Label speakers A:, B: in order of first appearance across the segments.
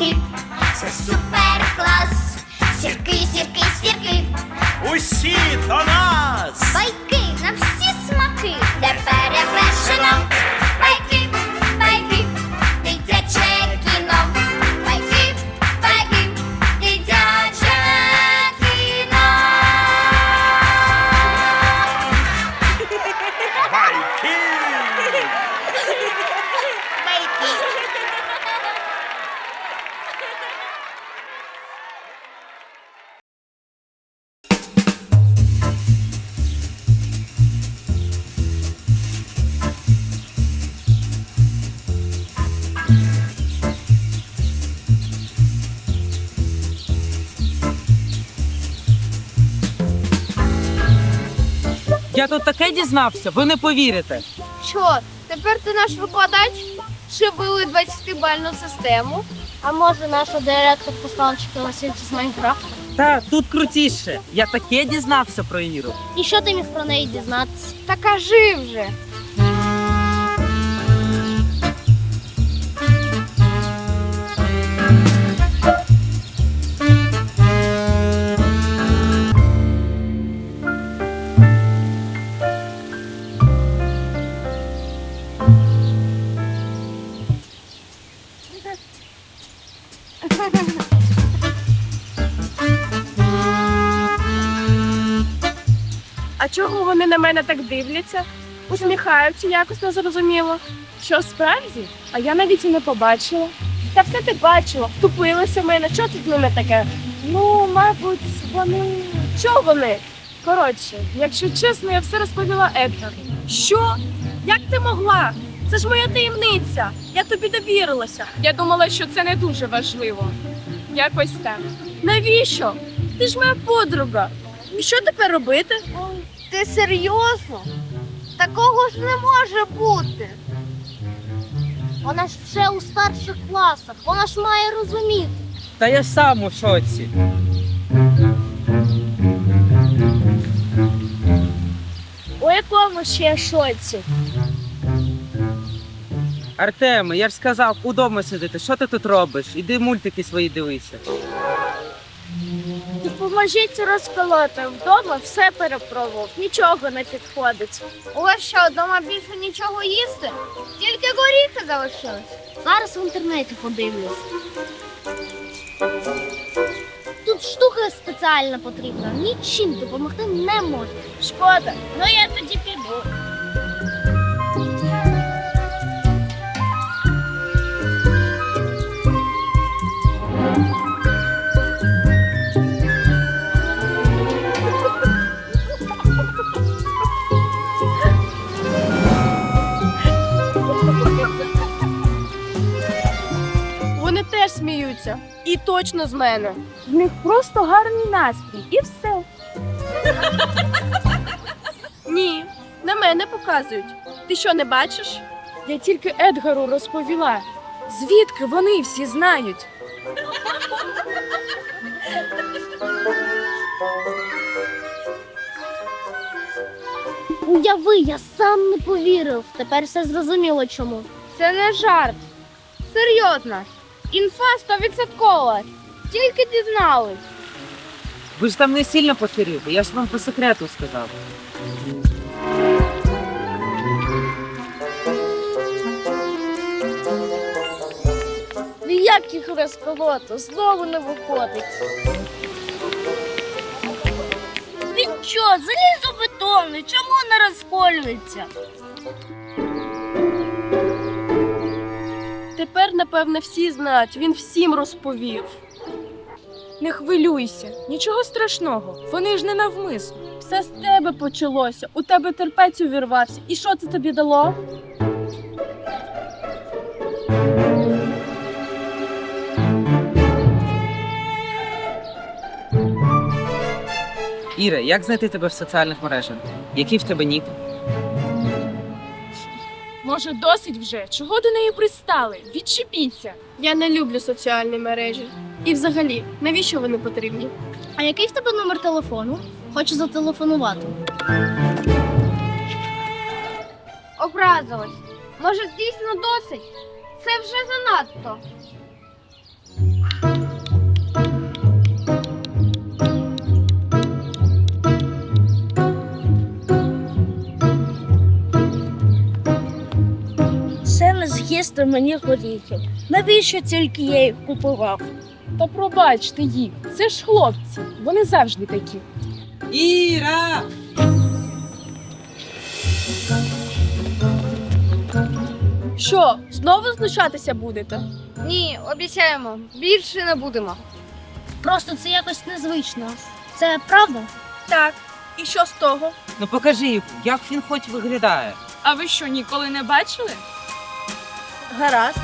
A: сірки, це супер клас. Сірки, сірки, сірки,
B: Усі до нас!
A: байки на всі смаки, де перевершено. Байки, байки, дитяче кіно. Байки, байки, дитяче кіно.
B: Байки!
C: Я тут таке дізнався, ви не повірите.
D: Що, тепер ти наш викладач? Чи ввели 20-бальну систему? А може наша директор послала вчителя з Майнкрафту?
C: Та тут крутіше. Я таке дізнався про Іру.
D: І що ти міг про неї дізнатися? Та кажи вже.
E: А чого вони на мене так дивляться? Усміхаються якось незрозуміло. Що, справді? А я навіть і не побачила. Та все ти бачила, втупилися в мене. Що тут в мене таке? Ну, мабуть, вони... Що вони? Коротше, якщо чесно, я все розповіла Едгару. Що? Як ти могла? Це ж моя таємниця. Я тобі довірилася. Я думала, що це не дуже важливо. Якось так. Навіщо? Ти ж моя подруга. І що тепер робити?
D: Ти серйозно? Такого ж не може бути. Вона ж вже у старших класах, вона ж має розуміти.
C: Та я сам у шоці.
E: У якому ще шоці?
C: Артеме, я ж сказав, удома сидити. Що ти тут робиш? Іди мультики свої дивися.
E: Допоможіть розколоти. Вдома все перепробував, нічого не підходить.
D: У вас що, вдома більше нічого їсти? Тільки горіхи залишились. Зараз в інтернеті подивлюсь. Тут штука спеціальна потрібна. Нічим допомогти не може.
E: Шкода, ну я тоді піду. Вони теж сміються. І точно з мене. В них просто гарний настрій. І все. Ні, на мене показують. Ти що, не бачиш? Я тільки Едгару розповіла. Звідки вони всі знають?
D: Уяви, я сам не повірив. Тепер все зрозуміло чому. Це не жарт. Серйозно. Інфа 100%. Тільки дізнались.
C: Ви ж там не сильно поширюєте, я ж вам по секрету сказав.
D: Ніяких розколото, знову не виходить. Він що, залізобетонний? Чому не розколюється?
E: Тепер, напевне, всі знають. Він всім розповів. Не хвилюйся, нічого страшного. Вони ж не навмисно. Все з тебе почалося. У тебе терпець увірвався. І що це тобі дало?
C: Іра, як знайти тебе в соціальних мережах? Який в тебе нік?
E: Може, досить вже? Чого до неї пристали? Відчепіться. Я не люблю соціальні мережі. І взагалі, навіщо вони потрібні?
D: А який в тебе номер телефону? Хочу зателефонувати. Образилась. Може, дійсно досить? Це вже занадто.
F: їсти мені горіхи. Навіщо тільки я їх купував?
E: Та пробачте їх, це ж хлопці, вони завжди такі.
C: Іра!
E: Що, знову знущатися будете?
D: Ні, обіцяємо, більше не будемо.
F: Просто це якось незвично. Це правда?
E: Так. І що з того?
C: Ну покажи, як він хоч виглядає.
E: А ви що, ніколи не бачили?
F: Гаразд.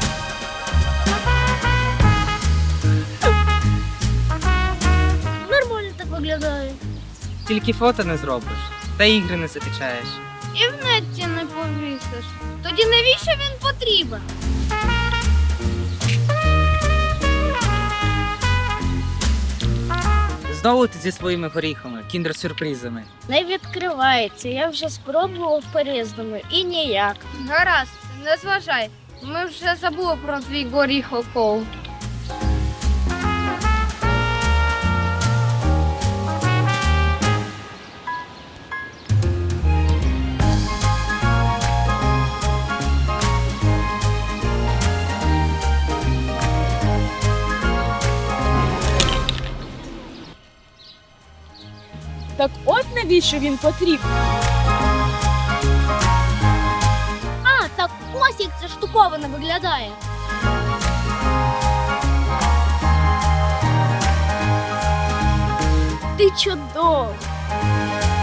F: Нормально так виглядає.
C: Тільки фото не зробиш, та ігри не закачаєш.
D: І в нетті не повісиш. Тоді навіщо він потрібен?
C: Знову ти зі своїми горіхами, кіндер-сюрпризами.
F: Не відкривається. Я вже спробував по-різному і ніяк.
D: Гаразд, не зважай. Ми вже забули про твій горіхокол.
E: Так от навіщо він потрібен?
D: А, так ось як ця штуковина виглядає.
F: Ти чудовий.